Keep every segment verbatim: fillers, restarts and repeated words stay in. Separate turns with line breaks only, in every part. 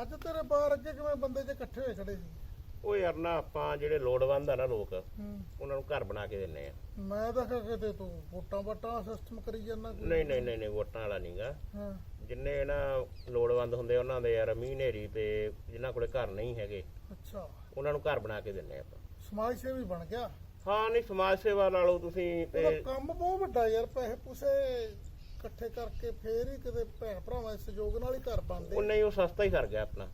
ਅੱਜ ਤੇਰੇ ਬਾਹਰ ਅੱਗੇ ਕਿਵੇਂ ਬੰਦੇ ਜੇ ਇਕੱਠੇ ਹੋਏ ਖੜੇ ਸੀ?
ਉਹ ਯਾਰ ਨਾ ਆਪਾਂ ਜਿਹੜੇ ਲੋੜਵੰਦ ਆ ਨਾ ਲੋਕ ਉਹਨਾਂ ਨੂੰ ਘਰ ਬਣਾ ਕੇ ਦਿੰਨੇ ਆ।
ਮੈਂ ਤਾਂ ਕਿਤੇ ਤੂੰ ਵੋਟਾਂ ਵਾਟਾਂ ਸਿਸਟਮ ਕਰੀ ਜਾਂਦਾ।
ਨਹੀਂ ਨਹੀਂ ਨਹੀਂ ਨਹੀਂ ਵੋਟਾਂ ਵਾਲਾ ਨਹੀਂਗਾ।
ਹਾਂ
ਜਿੰਨੇ ਨਾ ਲੋੜਵੰਦ ਹੁੰਦੇ ਉਹਨਾਂ ਦੇ ਯਾਰ ਮੀਂਹ ਹਨੇਰੀ ਤੇ ਜਿਨ੍ਹਾਂ ਕੋਲੇ ਘਰ ਨਹੀਂ ਹੈਗੇ
ਅੱਛਾ
ਉਹਨਾਂ ਨੂੰ ਘਰ ਬਣਾ ਕੇ ਦਿੰਨੇ ਆਪਾਂ।
ਸਮਾਜ ਸੇਵੀ ਬਣ ਗਿਆ।
ਹਾਂ ਨਹੀਂ ਸਮਾਜ ਸੇਵਾ ਨਾਲੋਂ ਤੁਸੀਂ ਤੇ
ਉਹਦਾ ਕੰਮ ਬਹੁਤ ਵੱਡਾ ਯਾਰ, ਪੈਸੇ ਪੂਸੇ ਇਕੱਠੇ ਕਰਕੇ ਫੇਰ ਹੀ ਕਿਤੇ ਭੈਣ ਭਰਾਵਾਂ ਦੇ ਸਹਿਯੋਗ ਨਾਲ ਹੀ ਘਰ ਬਣਦੇ।
ਉਹ ਨਹੀਂ ਉਹ ਸਸਤਾ ਹੀ ਕਰ ਗਿਆ ਆਪਣਾ।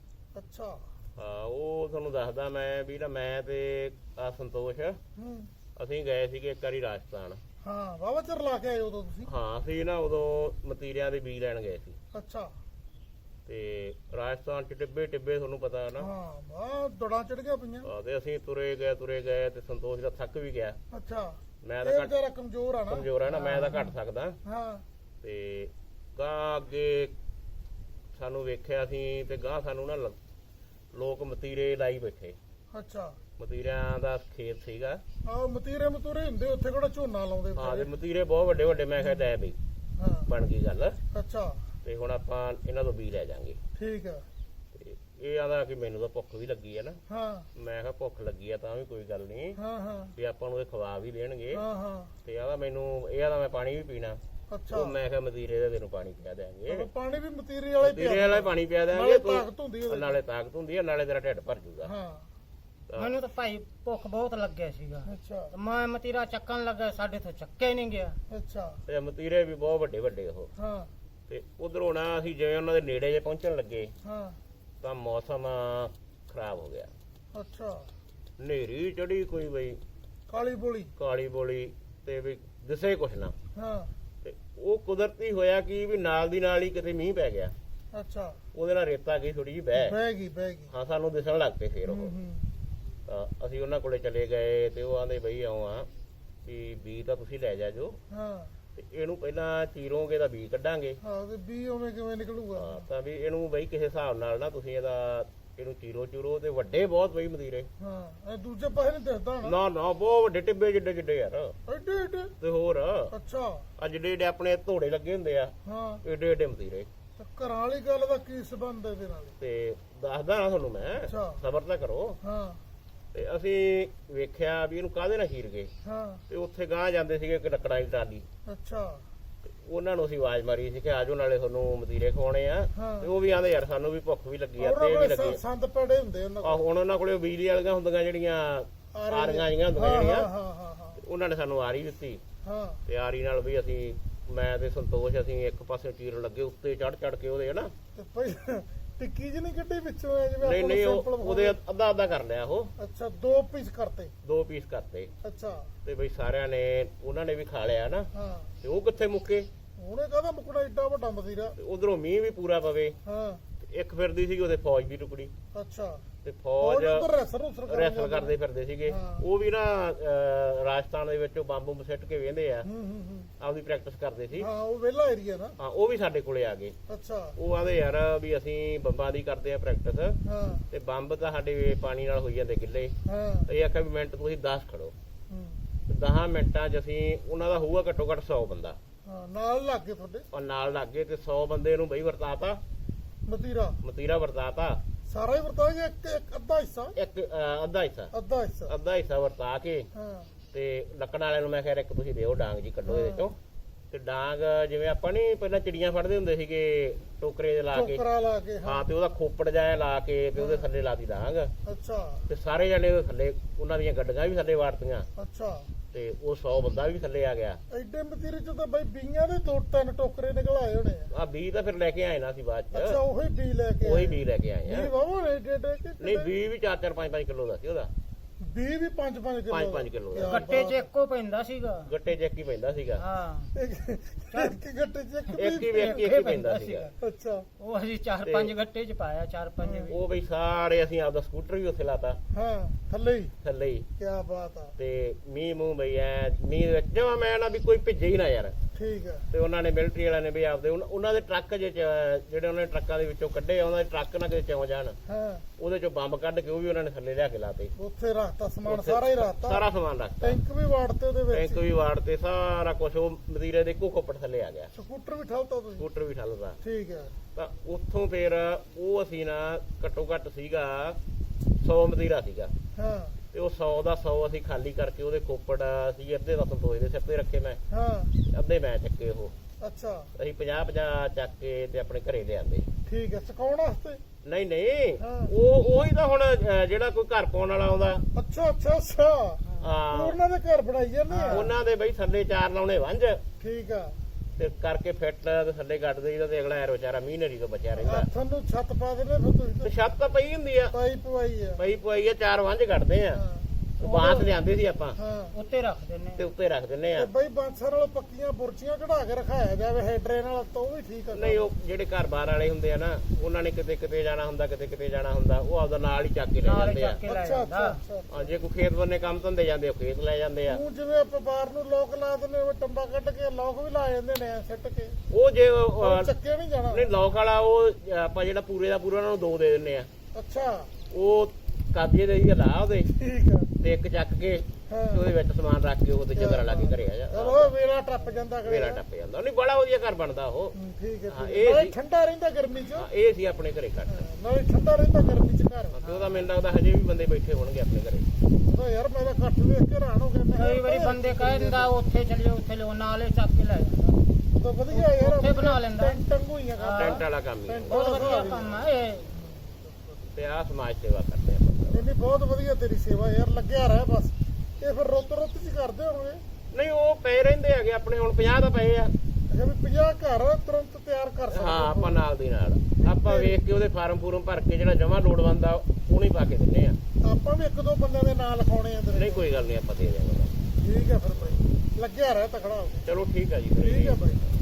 ਅੱਛਾ
ਹਾਂ ਉਹ ਤੁਹਾਨੂੰ ਦੱਸਦਾ ਮੈਂ ਵੀ ਨਾ ਮੈਂ ਤੇ ਆ ਸੰਤੋਸ਼
ਹੂੰ
ਅਸੀਂ ਗਏ ਸੀਗੇ ਇੱਕ ਵਾਰੀ ਰਾਜਸਥਾਨ।
ਹਾਂ ਵਾਵਾ ਚਿਰ ਲਾ ਕੇ ਆਏ ਉਦੋਂ ਤੁਸੀਂ?
ਹਾਂ ਅਸੀਂ ਨਾ ਉਦੋਂ ਮਤੀਰਿਆਂ ਦੇ ਬੀਜ ਲੈਣ ਗਏ ਸੀ।
ਅੱਛਾ
ਤੇ ਰਾਜਸਥਾਨ ਚ ਟਿੱਬੇ ਟਿੱਬੇ ਤੁਹਾਨੂੰ ਪਤਾ ਨਾ।
ਹਾਂ ਵਾਹ ਦੜਾਂ ਚੜ ਗਿਆ ਪਈਆਂ।
ਹਾਂ ਤੇ ਅਸੀਂ ਤੁਰੇ ਗਏ ਤੁਰੇ ਗਏ ਤੇ ਸੰਤੋਸ਼ ਦਾ ਥੱਕ ਵੀ ਗਿਆ।
ਅੱਛਾ
ਮੈਂ
ਇਹ
ਤਾਂ ਘੱਟ
ਵਿਚਾਰਾ ਕਮਜ਼ੋਰ ਆ ਨਾ।
ਕਮਜ਼ੋਰ ਆ ਨਾ ਮੈਂ ਤਾਂ ਘੱਟ ਸਕਦਾ।
ਹਾਂ
ਤੇ ਗਾਂ ਅੱਗੇ ਸਾਨੂੰ ਵੇਖਿਆ ਸੀ ਤੇ ਗਾਂ ਸਾਨੂੰ ਨਾ ਲ- ਲੋਕ ਮਤੀਰੇ ਲਾਈ ਬੈਠੇ।
ਅੱਛਾ
ਮਤੀਰਿਆਂ ਦਾ ਖੇਤ ਸੀਗਾ।
ਆਹ ਮਤੀਰੇ ਮਤੂਰੇ ਹੁੰਦੇ ਉੱਥੇ ਕਿਹੜਾ ਝੋਨਾ ਲਾਉਂਦੇ
ਹਾਂ ਤੇ
ਵਿਚਾਰੇ।
ਮਤੀਰੇ ਬਹੁਤ ਵੱਡੇ ਵੱਡੇ। ਮੈਂ ਕਿਹਾ ਲੈ ਬਈ
ਹਾਂ
ਬਣ ਗਈ ਗੱਲ।
ਅੱਛਾ
ਤੇ ਹੁਣ ਆਪਾਂ ਇਹਨਾਂ ਤੋਂ ਬੀਜ ਲੈ ਜਾਾਂਗੇ।
ਠੀਕ ਆ।
ਤੇ ਇਹ ਆਂਦਾ ਕਿ ਮੈਨੂੰ ਤਾਂ ਭੁੱਖ ਵੀ ਲੱਗੀ ਆ ਨਾ।
ਹਾਂ
ਮੈਂ ਕਿਹਾ ਭੁੱਖ ਲੱਗੀ ਆ ਤਾਂ ਵੀ ਕੋਈ ਗੱਲ ਨਹੀਂ
ਹਾਂ ਹਾਂ
ਵੀ ਆਪਾਂ ਨੂੰ ਇਹ ਖਵਾ ਵੀ ਦੇਣਗੇ।
ਹਾਂ ਹਾਂ
ਤੇ ਆਂਦਾ ਮੈਨੂੰ ਇਹ ਆਂਦਾ ਮੈਂ ਪਾਣੀ ਵੀ ਪੀਣਾ।
ਅੱਛਾ
ਉਹ ਮੈਂ ਕਿਹਾ ਮਤੀਰੇ ਦਾ ਤੈਨੂੰ ਪਾਣੀ ਪਿਆ ਦੇਾਂਗੇ।
ਚਲੋ ਪਾਣੀ ਵੀ ਮਤੀਰੇ ਵਾਲਾ ਹੀ
ਮਤੀਰੇ ਵਾਲਾ ਹੀ ਪਾਣੀ ਪਿਆ
ਨਾਲੇ
ਦੇਾਂਗੇ।
ਤਾਕਤ ਹੁੰਦੀ ਉਹਦੇ ਚ।
ਨਾਲੇ ਤਾਕਤ ਹੁੰਦੀ ਆ ਨਾਲੇ ਤੇਰਾ ਢਿੱਡ ਭਰ ਜੂਗਾ।
ਹਾਂ
ਮੈਨੂੰ ਤਾਂ ਭਾਈ ਭੁੱਖ ਬਹੁਤ ਲੱਗਿਆ ਸੀਗਾ।
ਅੱਛਾ
ਤੇ ਮੈਂ ਮਤੀਰਾ ਚੱਕਣ ਲੱਗਾ, ਸਾਡੇ ਤੋਂ ਚੱਕਿਆ ਹੀ ਨਹੀਂ ਗਿਆ।
ਅੱਛਾ
ਤੇ ਮਤੀਰੇ ਵੀ ਬਹੁਤ ਵੱਡੇ ਵੱਡੇ ਉਹ।
ਹਾਂ
ਤੇ ਉਧਰੋਂ ਨਾ ਅਸੀਂ ਜਿਵੇਂ ਉਹਨਾਂ ਦੇ ਨੇੜੇ ਜੇ ਪਹੁੰਚਣ ਲੱਗੇ
ਹਾਂ
ਤਾਂ ਮੌਸਮ ਖਰਾਬ ਹੋ ਗਿਆ।
ਅੱਛਾ
ਹਨੇਰੀ ਚੜੀ ਕੋਈ ਬਈ
ਕਾਲੀ ਬੋਲੀ।
ਕਾਲੀ ਬੋਲੀ ਤੇ ਵੀ ਦਿਸੇ ਕੁਛ ਨਾ।
ਹਾਂ
ਤੇ ਉਹ ਕੁਦਰਤੀ ਹੋਇਆ ਕਿ ਵੀ ਨਾਲ ਦੀ ਨਾਲ ਹੀ ਕਿਤੇ ਮੀਂਹ ਪੈ ਗਿਆ।
ਅੱਛਾ
ਉਹਦੇ ਨਾਲ ਰੇਤਾ ਗਈ ਥੋੜੀ ਜਿਹੀ ਬਹਿ।
ਬਹਿ ਗਈ ਬਹਿ ਗਈ।
ਹਾਂ ਸਾਨੂੰ ਦਿਸਣ ਲੱਗ ਪਏ ਫੇਰ ਉਹ।
ਹੂੰ ਹੂੰ
ਤਾਂ ਅਸੀਂ ਉਹਨਾਂ ਕੋਲੇ ਚਲੇ ਗਏ ਤੇ ਉਹ ਆਂਦੇ ਬਈ ਆਓ ਆ ਵੀ ਬੀ ਤਾਂ ਤੁਸੀਂ ਲੈ ਜਾ ਜੋ
ਹਾਂ
ਤੇ ਇਹਨੂੰ ਪਹਿਲਾਂ ਚੀਰੋਗੇ ਤਾਂ ਬੀ ਕੱਢਾਂਗੇ।
ਹਾਂ ਤੇ ਵੀ ਉਵੇਂ ਕਿਵੇਂ ਨਿਕਲੂਗਾ?
ਹਾਂ ਤਾਂ ਵੀ ਇਹਨੂੰ ਬਈ ਕਿਸੇ ਹਿਸਾਬ ਨਾਲ ਨਾ ਤੁਸੀਂ ਇਹਦਾ ਇਹਨੂੰ ਚੀਰੋ ਚੂਰੋ ਤੇ ਵੱਡੇ ਬਹੁਤ ਬਈ ਮਦੀਰੇ।
ਹਾਂ ਇਹ ਦੂਜੇ ਪਾਸੇ ਨਹੀਂ ਦਿਸਦਾ ਨਾ।
ਨਾ ਨਾ ਬਹੁਤ ਵੱਡੇ ਟਿੱਬੇ ਜਿੱਡੇ ਜਿੱਡੇ ਯਾਰ।
ਐਡੇ ਐਡੇ?
ਤੇ ਹੋਰ
ਅੱਛਾ
ਆ ਜਿੱਡੇ ਜਿੱਡੇ ਆਪਣੇ ਧੋੜੇ ਲੱਗੇ ਹੁੰਦੇ ਆ
ਹਾਂ
ਏਡੇ ਏਡੇ ਮਦੀਰੇ।
ਤੇ ਘਰਾਂ ਵਾਲੀ ਗੱਲ ਦਾ ਕੀ ਸੰਬੰਧ ਹੈ ਇਹਦੇ ਨਾਲ?
ਤੇ ਦੱਸਦਾ ਨਾ ਤੁਹਾਨੂੰ ਮੈਂ
ਅੱਛਾ।
ਸਬਰ ਤਾਂ ਕਰੋ।
ਹਾਂ
ਤੇ ਅਸੀਂ ਵੇਖਿਆ ਵੀ ਇਹਨੂੰ ਕਾਹਦੇ ਨਾਲ ਚੀਰ ਗਏ।
ਹਾਂ
ਤੇ ਉੱਥੇ ਗਾਂ ਜਾਂਦੇ ਸੀਗੇ ਇੱਕ ਲੱਕੜਾਂ ਦੀ ਟਰਾਲੀ।
ਅੱਛਾ
ਤੇ ਉਹਨਾਂ ਨੂੰ ਅਸੀਂ ਆਵਾਜ਼ ਮਾਰੀ ਸੀ ਕਿ ਆਜੋ ਨਾਲੇ ਤੁਹਾਨੂੰ ਮਦੀਰੇ ਖਵਾਉਣੇ ਆ।
ਹਾਂ।
ਤੇ ਉਹ ਵੀ ਆਂਦੇ ਯਾਰ ਸਾਨੂੰ ਵੀ ਭੁੱਖ ਵੀ ਲੱਗੀ ਆ
ਉਹਨਾਂ
ਤੇ ਵੀ
ਕੋਲੇ
ਲੱਗੀ
ਸੰ- ਸੰਦ ਪੜੇ ਹੁੰਦੇ ਉਹਨਾਂ
ਆ। ਹੁਣ ਉਹਨਾਂ ਕੋਲੇ ਬਿਜਲੀ ਵਾਲੀਆਂ ਹੁੰਦੀਆਂ ਜਿਹੜੀਆਂ ਆਰੀਆਂ ਜੀਆਂ ਹੁੰਦੀਆਂ
ਹਾਂ
ਜਿਹੜੀਆਂ
ਹਾਂ ਹਾਂ ਹਾਂ
ਉਹਨਾਂ ਨੇ ਸਾਨੂੰ ਆਰੀ ਦਿੱਤੀ।
ਹਾਂ
ਤੇ ਆਰੀ ਨਾਲ ਵੀ ਅਸੀਂ ਮੈਂ ਤੇ ਸੰਤੋਸ਼ ਅਸੀਂ ਇੱਕ ਪਾਸੇ ਚੀਰਨ ਲੱਗੇ ਉੱਤੇ ਚੜ ਚੜ ਕੇ ਉਹਦੇ ਹਨਾ।
ਤੇ ਪਹਿਲਾਂ ਟਿੱਕੀ ਜਿਹੀ ਨਹੀਂ ਕੱਢੀ ਵਿੱਚੋਂ ਐ ਜਿਵੇਂ
ਨਹੀਂ
ਆਪਾਂ
ਨਹੀਂ
ਨੂੰ
ਉਹ-
simple
ਉਹਦੇ ਅੱਧਾ ਅੱਧਾ ਕਰ ਲਿਆ ਉਹ।
ਅੱਛਾ ਦੋ ਪੀਸ ਕਰਤੇ।
ਦੋ ਪੀਸ ਕਰਤੇ
ਅੱਛਾ
ਤੇ ਬਈ ਸਾਰਿਆਂ ਨੇ ਉਹਨਾਂ ਨੇ ਵੀ ਖਾ ਲਿਆ ਨਾ।
ਹਾਂ
ਤੇ ਉਹ ਕਿੱਥੇ ਮੁੱਕੇ।
ਉਹਨੇ ਕਹਦਾ ਮੁਕੜਾ ਏਡਾ ਵੱਡਾ ਮਦੀਰਾ।
ਤੇ ਉਧਰੋਂ ਮੀਂਹ ਵੀ ਪੂਰਾ ਪਵੇ।
ਹਾਂ
ਤੇ ਇੱਕ ਫਿਰਦੀ ਸੀ ਉਹਦੇ ਫੌਜ ਵੀ ਟੁਕੜੀ।
ਅੱਛਾ
ਤੇ ਫੌਜ
ਉਹ ਰੈਸਰ ਰੂਸਰ
ਰੈਸਲ ਕਰਦੇ ਫਿਰਦੇ ਸੀਗੇ।
ਹਾਂ।
ਉਹ ਵੀ ਨਾ ਅਹ, ਰਾਜਸਥਾਨ ਦੇ ਵਿੱਚ ਬੰਬ ਬੰਬ ਸਿੱਟ ਕੇ ਵੇਂਦੇ ਆ।
ਹੂੰ ਹੂੰ ਹੂੰ
ਆਪਦੀ ਪ੍ਰੈਕਟਿਸ ਕਰਦੇ ਸੀ।
ਹਾਂ ਉਹ ਵਿਹਲਾ ਏਰੀਆ ਨਾ।
ਹਾਂ ਉਹ ਵੀ ਸਾਡੇ ਕੋਲੇ ਆ ਗਏ।
ਅੱਛਾ
ਉਹ ਆਂਦੇ ਯਾਰ ਵੀ ਅਸੀਂ ਬੰਬਾਂ ਦੀ ਕਰਦੇ ਆ ਪ੍ਰੈਕਟਿਸ
ਹਾਂ
ਤੇ ਬੰਬ ਤਾਂ ਸਾਡੇ ਪਾਣੀ ਨਾਲ ਹੋਈ ਜਾਂਦੇ ਗਿੱਲੇ।
ਹਾਂ
ਇਹ ਆਖਿਆ ਵੀ ਮਿੰਟ ਤੁਸੀਂ ਦਸ ਖੜੋ।
ਹੂੰ
ਤੇ ਦਸ ਮਿੰਟਾਂ 'ਚ ਅਸੀਂ ਉਹਨਾਂ ਦਾ ਹੋਊਗਾ ਘੱਟੋ ਘੱਟ ਸੌ ਬੰਦਾ।
ਹਾਂ ਨਾਲ ਲੱਗ ਗਏ ਤੁਹਾਡੇ
ਔਰ ਨਾਲ ਲੱਗ ਗਏ ਤੇ ਸੌ ਬੰਦੇ ਨੂੰ ਬਈ ਵਰਤਾਤਾ।
ਮਤੀਰਾ
ਮਤੀਰਾ ਵਰਤਾਤਾ।
ਸਾਰਾ ਹੀ ਵਰਤਾ ਗਿਆ ਇੱਕ ਇੱਕ ਅੱਧਾ ਹਿੱਸਾ?
ਇੱਕ ਅਹ, ਅੱਧਾ ਹਿੱਸਾ
ਅੱਧਾ ਹਿੱਸਾ
ਅੱਧਾ ਹਿੱਸਾ ਵਰਤਾ ਕੇ
ਹਾਂ
ਤੇ ਲੱਕੜ ਵਾਲਿਆਂ ਨੂੰ ਮੈਂ ਕਿਹਾ ਇੱਕ ਤੁਸੀਂ ਦਿਓ ਡਾਂਗ ਜੀ ਕੱਢੋ ਇਹਦੇ ਚੋਂ। ਤੇ ਡਾਂਗ ਜਿਵੇਂ ਆਪਾਂ ਨਹੀਂ ਪਹਿਲਾਂ ਚਿੜੀਆਂ ਫੜਦੇ ਹੁੰਦੇ ਸੀਗੇ ਟੋਕਰੇ ਦੇ ਲਾ ਕੇ।
ਟੋਕਰਾ ਲਾ ਕੇ ਹਾਂ
ਹਾਂ ਤੇ ਉਹਦਾ ਖੋਪੜ ਜਾਇਆ ਲਾ ਕੇ ਤੇ ਉਹਦੇ ਥੱਲੇ ਲਾਤੀ ਡਾਂਗ।
ਅੱਛਾ
ਤੇ ਸਾਰੇ ਜਣੇ ਉਹਦੇ ਥੱਲੇ ਉਹਨਾਂ ਦੀਆਂ ਗੱਡੀਆਂ ਵੀ ਥੱਲੇ ਵਾਰਤੀਆਂ।
ਅੱਛਾ
ਤੇ ਉਹ ਸੌ ਬੰਦਾ ਵੀ ਥੱਲੇ ਆ ਗਿਆ।
ਐਡੇ ਮਤੀਰੇ ਚ ਤਾਂ ਬਾਈ ਬੀਆਂ ਦੇ ਦੋ ਤਿੰਨ ਟੋਕਰੇ ਨਿਕਲ ਆਏ ਹੋਣੇ ਆ।
ਆ ਬੀ ਤਾਂ ਫਿਰ ਲੈ ਕੇ ਆਏ ਨਾ ਸੀ ਬਾਅਦ
ਅੱਛਾ
ਚ।
ਉਹੀ ਬੀ ਲੈ ਕੇ
ਉਹੀ ਬੀ ਲੈ ਕੇ ਆਏ
ਬੀ
ਆ।
ਵਾਵਾ ਐਡੇ ਐਡੇ ਕਿ
ਨਹੀਂ ਬੀ ਵੀ ਚਾਰ ਚਾਰ ਪੰਜ ਪੰਜ ਕਿਲੋ ਦਾ ਸੀ ਉਹਦਾ।
ਬੀ ਵੀ ਪੰਜ ਪੰਜ ਕਿਲੋ
ਪੰਜ ਪੰਜ ਕਿਲੋ ਦਾ।
ਗੱਟੇ 'ਚ ਇੱਕੋ ਪੈਂਦਾ ਸੀਗਾ।
ਗੱਟੇ ਚ ਇੱਕ ਹੀ ਪੈਂਦਾ ਸੀਗਾ।
ਹਾਂ
ਇੱਕ ਗੱਟੇ ਚ ਇੱਕ
ਇੱਕ ਹੀ
ਵੀ
ਇੱਕ ਹੀ ਪੈਂਦਾ ਸੀਗਾ।
ਅੱਛਾ
ਉਹ ਅਸੀਂ ਚਾਰ ਪੰਜ ਗੱਟੇ 'ਚ ਪਾਇਆ, ਚਾਰ ਪੰਜ ਵੀ।
ਉਹ ਬਈ ਸਾਰੇ ਅਸੀਂ ਆਪਦਾ ਸਕੂਟਰ ਵੀ ਉੱਥੇ ਲਾਤਾ
ਹਾਂ ਥੱਲੇ ਹੀ।
ਥੱਲੇ ਹੀ।
ਕੀ ਬਾਤ ਆ।
ਤੇ ਮੀਂਹ ਮੂੰਹ ਬਈ ਐ ਮੀਂਹ ਦੇ ਵਿੱਚ ਜਮਾ ਮੈਂ ਨਾ ਵੀ ਕੋਈ ਭਿੱਜੇ ਹੀ ਨਾ ਯਾਰ।
ਠੀਕ ਹੈ
ਤੇ ਉਹਨਾਂ ਨੇ ਮਿਲਟਰੀ ਵਾਲਿਆਂ ਨੇ ਵੀ ਆਪਦੇ ਉਨ- ਉਹਨਾਂ ਦੇ ਟਰੱਕ ਜੇ ਚ- ਜਿਹੜੇ ਉਹਨਾਂ ਨੇ ਟਰੱਕਾਂ ਦੇ ਵਿੱਚੋਂ ਕੱਢੇ ਆ, ਉਹਨਾਂ ਦੇ ਟਰੱਕ ਨਾ ਕਿਤੇ ਚੋਂ ਜਾਣ,
ਹਾਂ
ਉਹਦੇ ਚੋਂ ਬੰਬ ਕੱਢ ਕੇ ਉਹ ਵੀ ਉਹਨਾਂ ਨੇ ਥੱਲੇ ਲਿਆ ਕੇ ਲਾਤੇ।
ਉੱਥੇ ਰੱਖਤਾ ਸਮਾਨ
ਉੱਥੇ
ਸਾਰਾ ਹੀ ਰੱਖਤਾ
ਸਾਰਾ ਸਮਾਨ ਰੱਖਤਾ,
ਟੈਂਕ ਵੀ ਵਾੜਤੇ ਉਹਦੇ ਵਿੱਚ
ਟੈਂਕ ਵੀ ਵਾੜ ਤੇ ਸਾਰਾ ਕੁਝ ਉਹ ਮਦੀਰੇ ਦੇ ਇੱਕੋ ਖੋਪੜ ਥੱਲੇ ਆ ਗਿਆ,
ਸਕੂਟਰ ਵੀ ਠਲਤਾ ਤੁਸੀਂ
ਸਕੂਟਰ ਵੀ ਠੱਲਦਾ।
ਠੀਕ ਹੈ
ਤਾਂ ਉੱਥੋਂ ਫਿਰ ਉਹ ਅਸੀਂ ਨਾ ਘੱਟੋ ਘੱਟ ਸੀਗਾ ਸੌ ਮਦੀਰਾ ਸੀਗਾ,
ਹਾਂ
ਤੇ ਉਹ ਸੌ ਦਾ ਸੌ ਅਸੀਂ ਖਾਲੀ ਕਰਕੇ ਉਹਦੇ ਖੋਪੜ ਸੀ ਅੱਧੇ ਦਾ ਸੰਤੋਸ਼ ਦੇ ਸਿਰ ਤੇ ਰੱਖੇ, ਮੈਂ
ਹਾਂ
ਅੱਧੇ ਮੈਂ ਚੱਕੇ। ਉਹ
ਅੱਛਾ
ਅਸੀਂ ਪੰਜਾਹ ਪੰਜਾਹ ਚੱਕ ਕੇ ਤੇ ਆਪਣੇ ਘਰੇ ਲਿਆਂਦੇ।
ਠੀਕ ਹੈ ਸੁਕਾਉਣ ਵਾਸਤੇ
ਨਹੀਂ ਨਹੀਂ,
ਹਾਂ।
ਉਹ ਉਹੀ ਤਾਂ ਹੁਣ ਅਹ, ਜਿਹੜਾ ਕੋਈ ਘਰ ਪਾਉਣ ਵਾਲਾ ਆਉਂਦਾ,
ਅੱਛਾ ਅੱਛਾ ਅੱਛਾ
ਹਾਂ
ਉਹਨਾਂ ਦੇ ਘਰ ਬਣਾਈ ਜਾਂਦੇ ਆ
ਉਹਨਾਂ ਦੇ ਬਈ ਥੱਲੇ ਚਾਰ ਲਾਉਣੇ ਵੰਜ
ਠੀਕ ਆ
ਤੇ ਕਰਕੇ ਫਿੱਟ ਤੇ ਥੱਲੇ ਗੱਡ ਦੇਈਦਾ, ਤੇ ਅਗਲਾ ਐਰ ਵਿਚਾਰਾ ਮੀਨਰੀ ਤੋਂ ਬਚਿਆ ਰਹਿੰਦਾ।
ਹੱਥਾਂ ਨੂੰ ਛੱਤ ਪਾ ਦੇਣੇ ਫਿਰ
ਤੇ
ਤੁਸੀਂ
ਛੱਤ ਤਾਂ ਪਈ ਹੁੰਦੀ ਆ,
ਪਾਈ ਪਵਾਈ ਆ
ਪਈ ਪਵਾਈ ਆ, ਚਾਰ ਵੰਜ ਕੱਢਦੇ ਆ,
ਹਾਂ
ਉਹ ਬਾਂਸ ਲਿਆਂਦੇ ਸੀ ਆਪਾਂ
ਹਾਂ
ਉੱਤੇ ਰੱਖ ਦਿੰਨੇ
ਤੇ ਉੱਤੇ ਰੱਖ ਦਿੰਨੇ ਆ।
ਤੇ ਬਈ ਬਾਂਸਰ ਨਾਲੋਂ ਪੱਕੀਆਂ ਬੁਰਚੀਆਂ ਕਢਾ ਕੇ ਰਖਾਇਆ ਜਾਵੇ ਹੈਡਰੇ ਨਾਲ ਤਾਂ ਉਹ ਵੀ ਠੀਕ ਆ
ਨਹੀਂ ਉਹ ਜਿਹੜੇ ਘਰ ਬਾਹਰ ਵਾਲੇ ਹੁੰਦੇ ਆ ਨਾ, ਉਹਨਾਂ ਨੇ ਕਿਤੇ ਕਿਤੇ ਜਾਣਾ ਹੁੰਦਾ, ਕਿਤੇ ਕਿਤੇ ਜਾਣਾ ਹੁੰਦਾ, ਉਹ ਆਪਦਾ ਨਾਲ ਹੀ ਚੱਕ ਕੇ ਲੈ
ਨਾਲ
ਜਾਂਦੇ ਆ।
ਚੱਕ ਕੇ ਲੈ
ਅੱਛਾ ਅੱਛਾ
ਜਾਂਦਾ।
ਅੱਛਾ
ਹਾਂ, ਜੇ ਕੋਈ ਖੇਤ ਬੰਨੇ ਕੰਮ ਧੰਦੇ ਜਾਂਦੇ, ਉਹ ਖੇਤ ਲੈ ਜਾਂਦੇ ਆ।
ਤੂੰ ਜਿਵੇਂ ਆਪਾਂ ਬਾਹਰ ਨੂੰ ਲੋਕ ਲਾ ਦਿੰਦੇ ਉਹ ਟੰਬਾ ਕੱਢ ਕੇ ਲੋਕ ਵੀ ਲਾ ਜਾਂਦੇ ਨੇ ਸਿੱਟ ਕੇ
ਉਹ ਜੇ ਉਹ,
ਉਹ
ਅਹ,
ਚੱਕੇ ਨਹੀਂ ਜਾਣਾ
ਨਹੀਂ ਲੋਕ ਵਾਲਾ ਉਹ ਆਪਾਂ ਜਿਹੜਾ ਪੂਰੇ ਦਾ ਪੂਰਾ ਉਹਨਾਂ ਨੂੰ ਦੋ ਦੇ ਦਿੰਨੇ ਆ,
ਅੱਛਾ
ਉਹ ਕਾਬੀਏ ਦੇ ਹੀ ਲਾ ਉਹਦੇ
ਠੀਕ ਆ
ਤੇ ਇੱਕ ਚੱਕ ਕੇ
ਹਾਂ
ਤੇ ਉਹਦੇ ਵਿੱਚ ਸਮਾਨ ਰੱਖ ਕੇ ਉਹਦੇ ਚਦਰਾ ਲਾ ਕੇ ਘਰੇ ਆ ਜਾ,
ਚਲੋ ਵੇਲਾ ਟੱਪ ਜਾਂਦਾ ਕਰੇ
ਮੇਰਾ ਟੱਪ ਜਾਂਦਾ। ਨਹੀਂ ਬੜਾ ਵਧੀਆ ਘਰ ਬਣਦਾ ਉਹ।
ਹੂੰ, ਠੀਕ ਹੈ
ਹਾਂ,
ਠੀਕ
ਇਹ
ਹੈ। ਨਾਲੇ
ਸੀ-
ਠੰਡਾ ਰਹਿੰਦਾ ਗਰਮੀ 'ਚ
ਹਾਂ, ਇਹ ਸੀ ਆਪਣੇ ਘਰੇ ਕੱਟ।
ਨਾਲੇ ਠੰਡਾ ਰਹਿੰਦਾ ਗਰਮੀ 'ਚ ਘਰ
ਤੇ ਉਹਦਾ ਮੈਨੂੰ ਲੱਗਦਾ ਹਜੇ ਵੀ ਬੰਦੇ ਬੈਠੇ ਹੋਣਗੇ ਆਪਣੇ ਘਰੇ।
ਉਹਦਾ ਯਾਰ ਮੈਂ ਤਾਂ ਇਕੱਠ ਵੇਖ ਕੇ ਹੈਰਾਨ ਹੋ ਗਿਆ ਮੈਂ
ਕਈ ਵਾਰੀ ਬੰਦੇ ਕਹਿ ਦਿੰਦਾ ਉੱਥੇ ਚੱਲਿਓ ਉੱਥੇ ਲਿਓ, ਨਾਲੇ ਚੱਕ ਕੇ ਲੈ ਜਾਂਦਾ।
ਤਾਂ ਵਧੀਆ ਯਾਰ
ਉੱਥੇ ਬਣਾ ਲੈਂਦਾ।
ਟੈਂਟ ਹੋਈਆਂ ਕੰਮ
ਟੈਂਟ ਵਾਲਾ ਕੰਮ ਹੀ
ਟੈਂਟ
ਬਹੁਤ ਵਧੀਆ ਕੰਮ ਆ ਇਹ।
ਤੇ ਆਹ ਸਮਾਜ ਸੇਵਾ ਕਰਦੇ ਆਪਾਂ।
ਨਹੀਂ ਨਹੀਂ ਬਹੁਤ ਵਧੀਆ ਤੇਰੀ ਸੇਵਾ ਯਾਰ ਲੱਗਿਆ ਰਹਿ ਬਸ ਇਹ ਫਿਰ ਰੁੱਤ ਰੁੱਤ 'ਚ ਕਰਦੇ ਹੋਣਗੇ
ਨਹੀਂ ਉਹ ਪਏ ਰਹਿੰਦੇ ਹੈਗੇ ਆਪਣੇ, ਹੁਣ ਪੰਜਾਹ ਤਾਂ ਪਏ ਆ।
ਅੱਛਾ ਵੀ ਪੰਜਾਹ ਘਰ ਤੁਰੰਤ ਤਿਆਰ ਕਰ ਸਕਦੇ
ਹਾਂ ਆਪਾਂ ਨਾਲ ਦੀ ਨਾਲ ਆਪਾਂ ਵੇਖ ਕੇ ਉਹਦੇ ਫਾਰਮ ਫੂਰਮ ਭਰ ਕੇ ਜਿਹੜਾ ਜਮਾ ਲੋੜਵੰਦ ਆ ਉਹਨੂੰ ਹੀ ਪਾ ਕੇ ਦਿੰਨੇ ਆ।
ਆਪਾਂ ਵੀ ਇੱਕ ਦੋ ਬੰਦਿਆਂ ਦੇ ਨਾਂ ਲਿਖਾਉਣੇ ਆ ਤੇਰੇ
ਨਹੀਂ ਕੋਈ ਗੱਲ ਨਹੀਂ, ਆਪਾਂ ਦੇ ਦਿਆਂਗੇ।
ਠੀਕ ਹੈ ਫਿਰ ਬਾਈ ਲੱਗਿਆ ਰਹਿ ਤਕੜਾ ਹੋ ਕੇ
ਚਲੋ ਠੀਕ ਆ ਜੀ ਫਿਰ।
ਠੀਕ ਹੈ ਬਾਈ